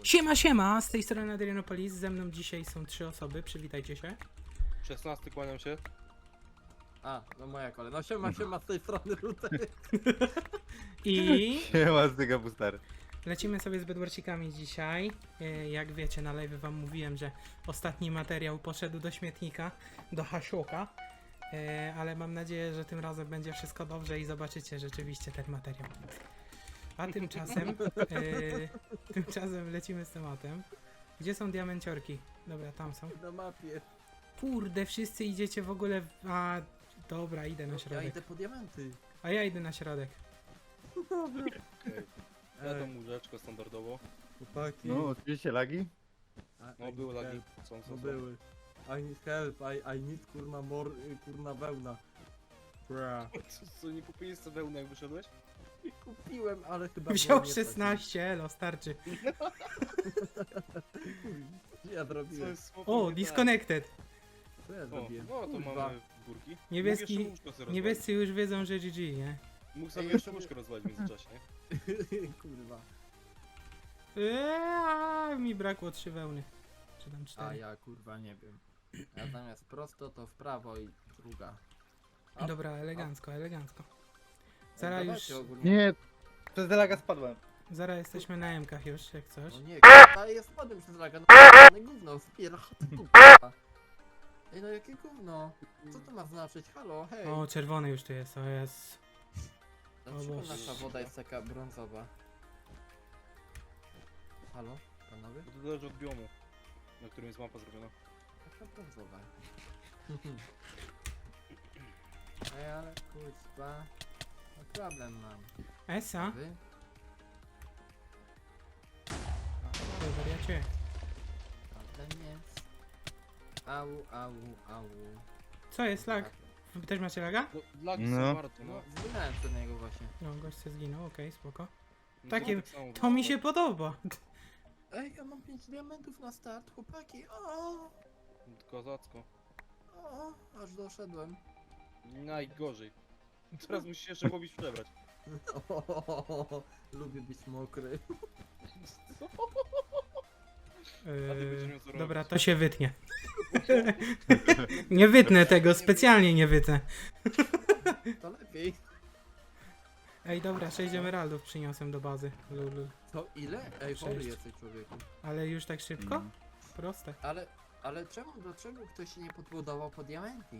Siema, siema, z tej strony Adrianopolis, ze mną dzisiaj są 3 osoby, przywitajcie się. 16 kłaniam się. A, no moja kolej. No siema z tej strony Rutek. I Siema z tego booster. lecimy sobie z bedwarcikami dzisiaj. Jak wiecie, na live wam mówiłem, że ostatni materiał poszedł do śmietnika, do hasioka. Ale mam nadzieję, że tym razem będzie wszystko dobrze i zobaczycie rzeczywiście ten materiał. A tymczasem lecimy z tematem. Gdzie są diamenciorki? Dobra, tam są. Na mapie. Kurde, wszyscy idziecie w ogóle A, dobra, idę na Ja środek. idę po diamenty. A ja idę na środek. Okay. Ja to Ej, łóżeczko standardowo. chłopaki. No, oczywiście lagi. No były lagi. No były. I need help, I need kurna kurna wełna. Bra. Co, nie kupiłeś sobie wełny jak wyszedłeś? Kupiłem, ale chyba Wziął było nie 16, elo, starczy. tak. Ja Co zrobiłem. jest O, disconnected. Co ja O, zrobiłem? no to Kurwa. mamy górki. Niebieski- Mógł jeszcze łóżko sobie Niebiescy już wiedzą, że GG, nie? rozwalić. Mógł sobie Ej, jeszcze ja łóżko rozwalić w międzyczasie, nie? Kurwa. Mi brakło 3 wełny. Czy tam A 4. ja kurwa nie wiem. Ja zamiast prosto to w prawo i druga. Dobra, elegancko, elegancko. Ej, Zaraz już, dawajcie ogólnie. Nie, przez laga spadłem. zaraz jesteśmy na MKach już, jak coś. No nie, kurwa, ja spadłem przez laga, no gówno, spiera. Ej, no jakie gówno? Co to ma znaczyć? Halo, hej. O, czerwony już tu jest, o jest. Dlaczego Boże. nasza woda jest taka brązowa? Halo, panowie? Bo to zależy od biomu, na którym jest mapa zrobiona. Taka brązowa. Ej, ale kurwa. No problem mam. Esa? Wy? Ty wariacie. Problem jest. Au, au, au. Co jest lag? Wy też macie laga? No, lagi No. są bardzo, No, no. zginąłem przed niego właśnie. No, gość se zginął, okej, spoko. No Takie- tak samo To mi wyszło. się podoba. Ej, ja mam 5 diamentów na start, chłopaki. O, Kozacko. aż doszedłem. Najgorzej. Teraz musisz się jeszcze łowić przebrać. Lubię być mokry. A ty będziesz miał co Dobra, robić. to się wytnie. Nie wytnę tego, specjalnie nie wytnę. To lepiej. Ej, dobra, 6 emeraldów przyniosłem do bazy. Lulu. To ile? Ej, chory 6. jesteś człowieku. Ale już tak szybko? Mm. Proste. Ale dlaczego ktoś się nie podbudował po diamenty?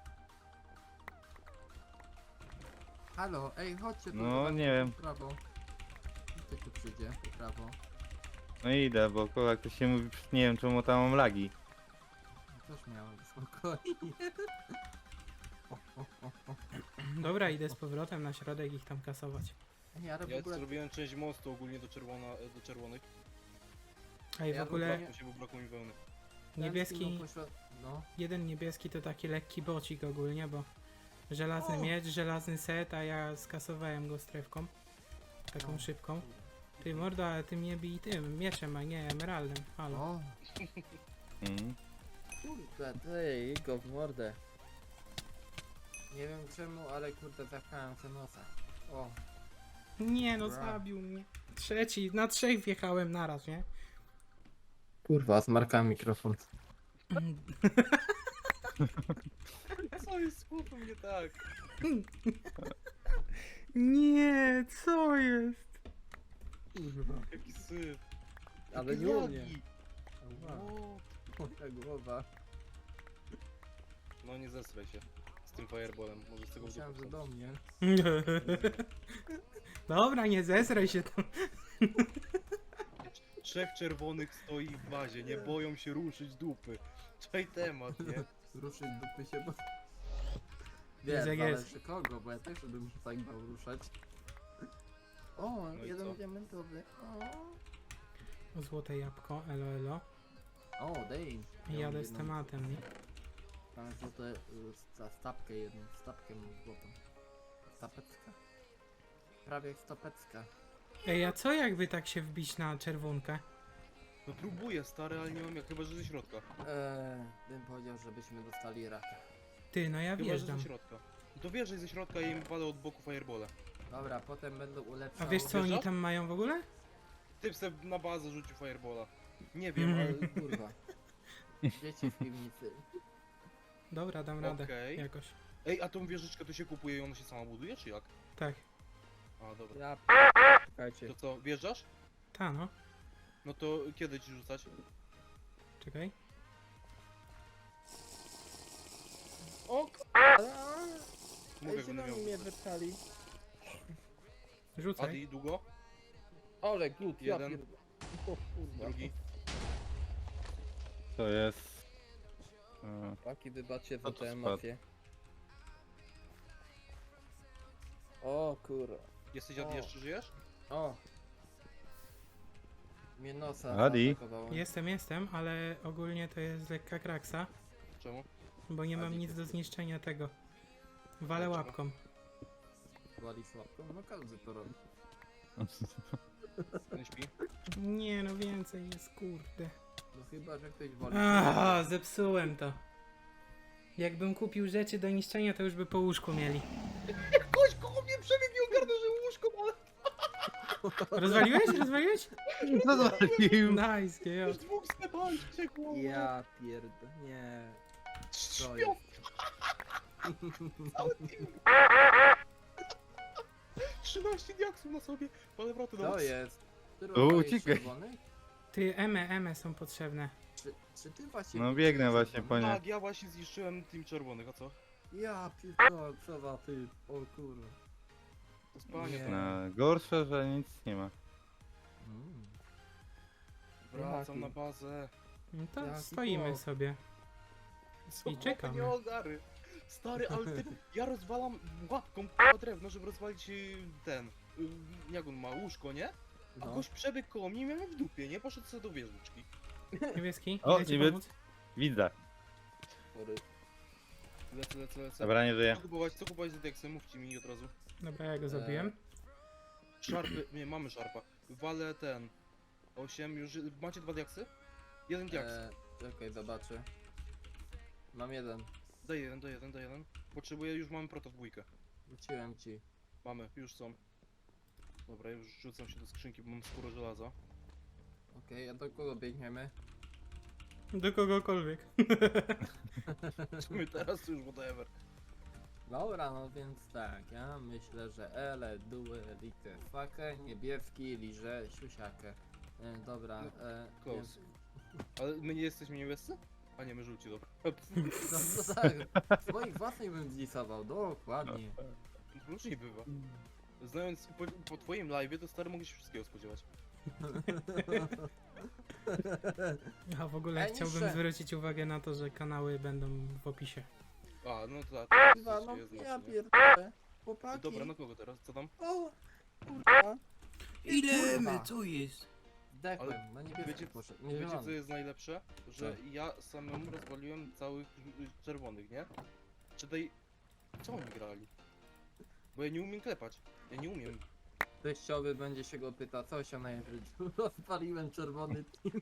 Halo, ej, chodźcie tu. No, zobaczcie, nie wiem. W prawo. Ktoś tu przyjdzie, w prawo. No idę, bo jak to się mówi, nie wiem czemu tam mam lagi. Też miałem spokojnie. Dobra, idę z powrotem na środek ich tam kasować. Nie, ale w Ja ogóle... zrobiłem część mostu ogólnie do czerwonych. Ej, w Ja ogóle Brakło się, bo brakło mi wełny. niebieski, No, jeden niebieski to taki lekki bocik ogólnie, bo żelazny O! miecz, żelazny set, a ja skasowałem go strefką. Taką No. szybką. Ty mordo, ale ty mnie bij tym mieczem, a nie emeraldem. Halo. o, Mm. kurde, ty, go w mordę. Nie wiem czemu, ale kurde, zapchałem się nosa. O, Nie no, Bra. zabił mnie. Trzeci, na 3 wjechałem naraz, nie? kurwa, zmarkałem mikrofon. Co jest z chłopem nie tak? Nie, co jest? Kurwa, Jaki syf. ale Jakie nie u mnie. lagi. Ała, O, moja głowa. No nie zesraj się z tym fireballem, może z tego Myślałem, że wdupy do mnie. Dobra, nie zesraj się tam. 3 czerwonych stoi w bazie, nie boją się ruszyć dupy. Czaj temat, nie? Ruszyć dupy się, bo... Jest jak Wiem, jest. zależy kogo, bo ja też bym się tak bał ruszać. O, No i jeden co? diamentowy. Złote jabłko, elo elo. O, dej. Jadę z tematem, nie? Mam złote, stapkę jedną, stapkę mam złotą. Stapecka? Prawie jak stopecka. Ej, a co jakby tak się wbić na czerwonkę? No próbuję stary, ale nie mam jak, chyba że ze środka. Bym powiedział, żebyśmy dostali raka. Ty, no ja Chyba że wjeżdżam. ze środka. No to wjeżdżaj ze środka i im pada od boku fireballa. Dobra, potem będą ulepszał. A wiesz co oni Wjeżdżasz? tam mają w ogóle? Typ se na bazę rzucił firebola. Nie wiem, Mhm. ale... Kurwa. Dzieci w piwnicy. Dobra, dam radę. Okej. Jakoś. Ej, a tą wieżyczkę to się kupuje i ona się sama buduje, czy jak? Tak. A, dobra. Ja Czekajcie. To co, wjeżdżasz? Ta no. No to kiedy ci rzucać? Czekaj. O, mówię, Ej, będę miał zieloni mnie rzucać. wypchali. Rzucaj. Adi, długo? Ole, glut, ja Jeden. pierdolę. O kurwa. Drugi. To jest... Paki, wybaczcie za No to tę spadł. mafię. O kurwa. Jesteś Adi, O. jeszcze żyjesz? O! Mnie nosa Adi? zaatakowało. Jestem, ale ogólnie to jest lekka kraksa, Czemu? bo nie mam Adi, nic ty- do zniszczenia tego. Walę Dlaczego? łapką. Wali słabko. No każdy to robi. Nie śpi? Nie no, więcej jest, kurde. No chyba, że ktoś wali Aha, zepsułem to. Jakbym kupił rzeczy do niszczenia, to już by po łóżku mieli. Ktoś koło mnie przebiegł i ogarnął, że łóżko, ale Rozwaliłeś? Rozwaliłeś? No zwalił! Nice, GJ. już dwóch sklepami ciekło. Ja pierdolę. Nie. To Śpią. jest. Cały team. 13 diaksów na sobie. Powroty do To was. jest. Ty O, rozwaliłeś uciekaj. czerwony? Ty, eme są potrzebne. Czy ty właśnie... No biegnę właśnie po nie. Tak, ja właśnie zniszczyłem team czerwonych, a co? Ja pierdolę, co za ty. O kurwa. To spanie. Nie. to. No, gorsze, że nic nie ma. Mm. Wracam Jaki? na bazę. No to Jaki stoimy chłop. sobie. I czekamy. Nie ogary. Stary, ale ty, ja rozwalam łapką k***a drewno, żeby rozwalić ten, jak on ma, łóżko, nie? A No. gość przebiegł koło mnie i miałem w dupie, nie? Poszedł sobie do wieżyczki. Niebieski, O, idę ci niebie- pomóc? Widzę. Sorry. Lecę. Dobra, nie żyję. Co kupować z deksem? Mówcie mi od razu. Dobra, ja go zrobiłem. Szarpy, nie, mamy szarpa. Walę ten, 8 już, macie 2 diaksy? Jeden diaks. Czekaj, zobaczę. Mam jeden. Daj jeden. Potrzebuję, już mamy proto w dwójkę. Wróciłem ci. Mamy, już są. Dobra, już rzucam się do skrzynki, bo mam skórę żelaza. Okej, a do kogo biegniemy? Do kogokolwiek. My teraz już whatever. Dobra, no więc tak, ja myślę, że ele, due, like, fakę, niebieski, liże, siusiakę. Dobra, Close. Ale my nie jesteśmy niebiescy? A nie, my żółci, dobra. No tak, swoich własnych bym zlisował, dokładnie. Różnie bywa. Znając po twoim live'ie, to stary mogę się wszystkiego spodziewać. A w ogóle Ej, chciałbym niższe. zwrócić uwagę na to, że kanały będą w opisie. A, no to tak. Kurwa, no jest ja znacznie. pierdolę. Chłopaki. Dobra, no kogo teraz? Co tam? O, kurwa. Ile co jest? Zdechłem, no niebieski Wiecie, poszedł, nie wiecie co zielony. jest najlepsze? Że Co? ja samemu rozwaliłem całych czerwonych, nie? Czy tej... Co oni grali? Bo ja nie umiem klepać. Ja nie umiem. Teściowy będzie się go pyta, co się na życiu. Rozpaliłem czerwony team.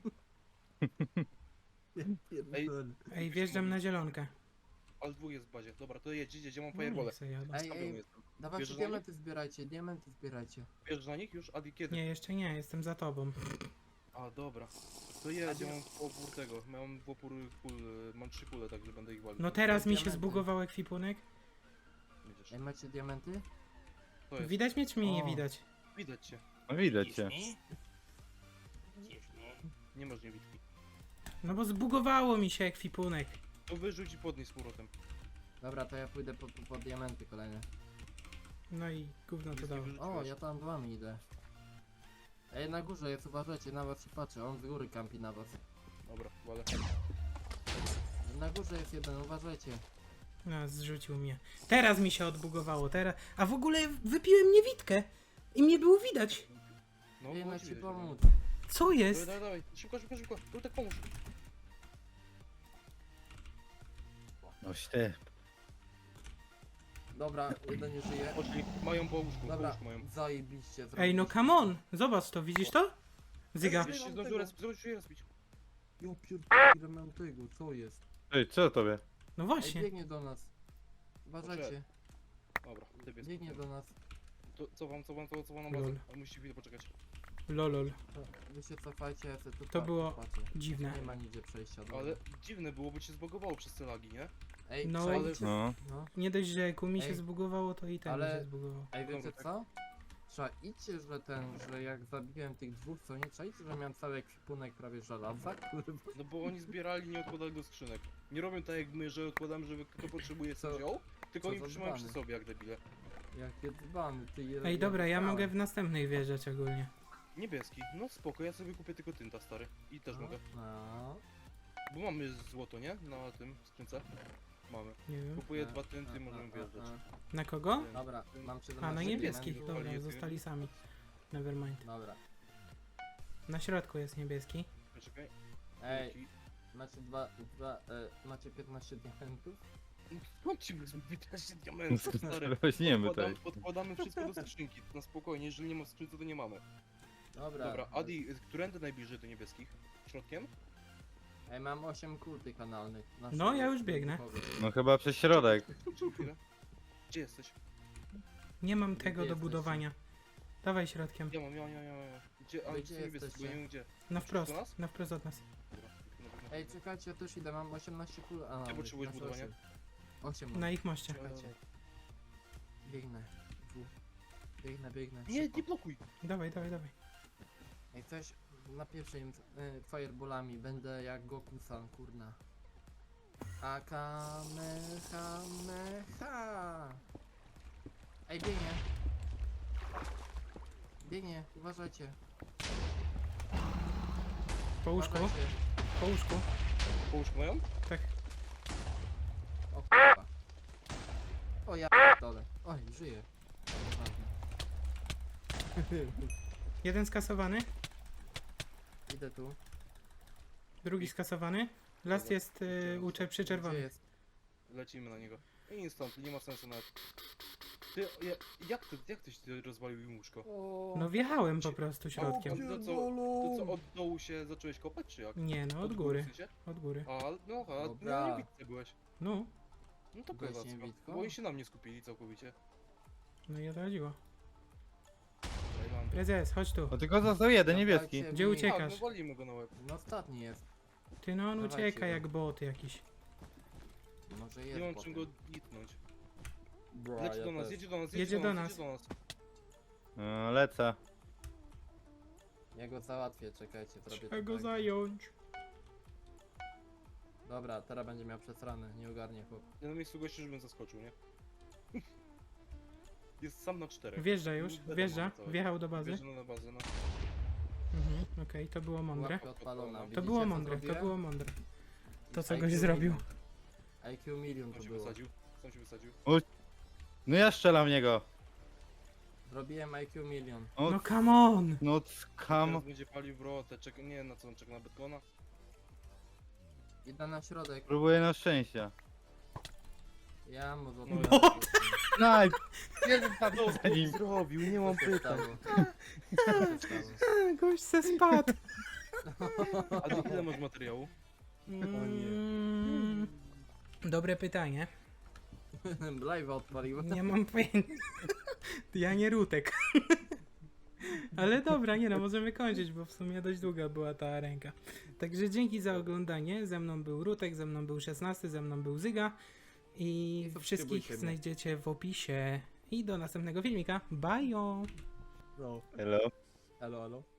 Ja pierdolę. Ej, wjeżdżam na zielonkę. Ale dwóch jest w bazie. Dobra, to jedź, ja mam No firebole. niech se jadą. Ej, ej, jestem. dawajcie Bierzesz na nich? diamenty zbierajcie. Bierzesz na nich już? Adi, kiedy? Nie, jeszcze nie, jestem za tobą. A, dobra. To jedź, ja mam opór tego. Mam w opór kul, mam 3 kule, także będę ich walił. No teraz mi się Diamenty. zbugował ekwipunek. Widzisz. Ej, macie diamenty? To jest. Widać mnie czy mnie nie O. widać? Widać cię. No widać cię. Nie masz niewidki. No bo zbugowało mi się ekwipunek. To wyrzuć i podnieś z powrotem. Dobra, to ja pójdę po diamenty kolejne. No i gówno to Nic nie dało. wyrzuciłeś. O, ja tam wami idę. Ej, na górze jest, uważajcie, na was się patrzy, on z góry kampi na was. Dobra, wale. Na górze jest jeden, uważajcie. No, zrzucił mnie. Teraz mi się odbugowało, teraz. A w ogóle wypiłem niewidkę. I mnie było widać. No, Ej, było na ci ci widać, pomóc. Co Dawaj, jest? dawaj. Szybko. Tu tak pomóż. Oś ty. Dobra, jeden nie żyje. Poszli. Mają po łóżku, Dobra, mają. zajebiście Ej, no come on. Zobacz to, widzisz to? Zyga. Wiesz, się zdążył rozbić. Jo pierdolę, ile mam tego, co jest? Ej, co tobie? No Ej, właśnie. biegnie do nas. Uważajcie, Dobra, ty biegnie do nas. To co wam na Lol. bazę? Ale musicie chwilę poczekać. Lolol. Wy się cofajcie, ja tu To było patrzę. dziwne. Nie ma nigdzie przejścia. dobra. Ale dziwne było, bo cię zbagowało przez te lagi, nie? Ej, No, przejdźcie. No. No. Nie dość, że Kumi się Ej, zbugowało, to i ten mi ale- się zbugował. Ej, wiecie Dobra, tak. co? Trzeba idźcie, że jak zabiłem tych dwóch, co nie czajcie, że miałem cały ekwipunek prawie żelaza, kurwa. No bo oni zbierali, nie odkładali do skrzynek. Nie robią tak jak my, że odkładamy, żeby kto potrzebuje Co- co wziął, tylko co oni za trzymają dzbany. przy sobie jak debile. Jakie dzbany, ty je. Ej, dobra, ja dostałem. mogę w następnej wjeżdżać ogólnie. Niebieski, no spoko, ja sobie kupię tylko tynta stary. I też mogę. No. Bo mamy złoto, nie? Na tym skrzynce. Mamy. Nie wiem. Kupuję 2 tynty, możemy wjeżdżać. Na kogo? Dobra, mam 17 A, na niebieskich, diamentów. dobra, jest zostali sami. Nevermind. Dobra. Na środku jest niebieski. Poczekaj. Ej, Dzięki. macie 15 diamentów? Skąd ci wezmę 15 diamentów, stary? Weźmiemy tutaj. Podkładamy wszystko do skrzynki, na spokojnie, jeżeli nie ma w skrzynce, to nie mamy. Dobra. Dobra, Adi, którędy najbliżej do niebieskich? Środkiem? Ej, mam 8 kul tych analnych. Na No, ja już biegnę. No chyba przez środek. Czekaj chwilę. Gdzie jesteś? Nie mam Gdzie tego do jesteście? budowania. Dawaj środkiem. Ja mam. Gdzie? A, Wy gdzie gdzie niebieski, bo nie wiem gdzie. Na wprost, do nas? na wprost od nas. Dobra, dobra. Ej, czekajcie, ja też idę, mam 18 kul analnych. potrzebujesz znaczy budowania? 8 mam. Na ich moście. Czekajcie. Biegnę. Biegnę. Nie, szybko. nie blokuj! Dawaj, dawaj, dawaj. Jak coś na pierwszym fireballami będę jak Goku-san, kurna. Akamehameha. Ej, biegnie. Biegnie, uważajcie. Po łóżku, Uważajcie. po łóżku. Połóżkę mają? Tak. O kurwa. O ja dole. Oj, żyję. Jeden skasowany, Idę tu. drugi skasowany. Last Dobra. jest przy Gdzie czerwonym. jest? Lecimy na niego. Instant, nie ma sensu nawet. Ty, jak tyś ty rozwalił im łóżko? No wjechałem po prostu środkiem. To co, od dołu się zacząłeś kopać, czy jak? Nie no, od góry, w sensie? od góry. A Dobra. na niewidce byłeś. No, No to Byłeś kozacko. niewidką? Bo oni się na mnie skupili całkowicie. no i o to chodziło. Tajlandia. Prezes, chodź tu. No tylko został jeden niebieski. Dawajcie Gdzie mi- uciekasz? Tak, no walimy go na łeb. No ostatni jest. Ty no, on Dawajcie ucieka go. jak bot jakiś. Może jest Nie mam potem. czym go hitnąć. Bra, Leci ja do nas, też. jedzie do nas, Jedzie do nas. jedzie do nas. No, lecę. Ja go załatwię, czekajcie, zrobię Trzeba to go tak. zająć. Dobra, teraz będzie miał przesrane, nie ogarnie chłop. Ja na miejscu gościu, żebym zaskoczył, nie? Jest sam na 4. Wjeżdża już, wjeżdża, wjechał do bazy. Wjeżdża na bazę, no. Mhm, okej, to było mądre. Łapka odpalona. To Widzicie, było co mądre, to zrobiłem? było mądre. To co IQ goś zrobił. milion. IQ milion Sam to się było. wysadził. Sam się wysadził. No ja strzelam w niego. Zrobiłem IQ milion. No, No come on! no skam. Teraz będzie palił wrotę, nie wiem na co on czeka, na betona. Idę na środek. Próbuję na szczęścia. Ja mu No, złapałem. Naj! Jeden tam No, za nim. zrobił, nie mam Co się stało? Co się stało? Gość se spadł. A ty ile masz materiału? Mm, Dobre pytanie. Live odpalił. Nie mam pojęcia. Ja nie Rutek. Ale dobra, nie no, możemy kończyć, bo w sumie dość długa była ta ręka. Także dzięki za oglądanie. Ze mną był Rutek, ze mną był 16, ze mną był Zyga. I I wszystkich subskrybujcie mnie. znajdziecie w opisie. I do następnego filmika. Bye! No. Hello. Elo, elo.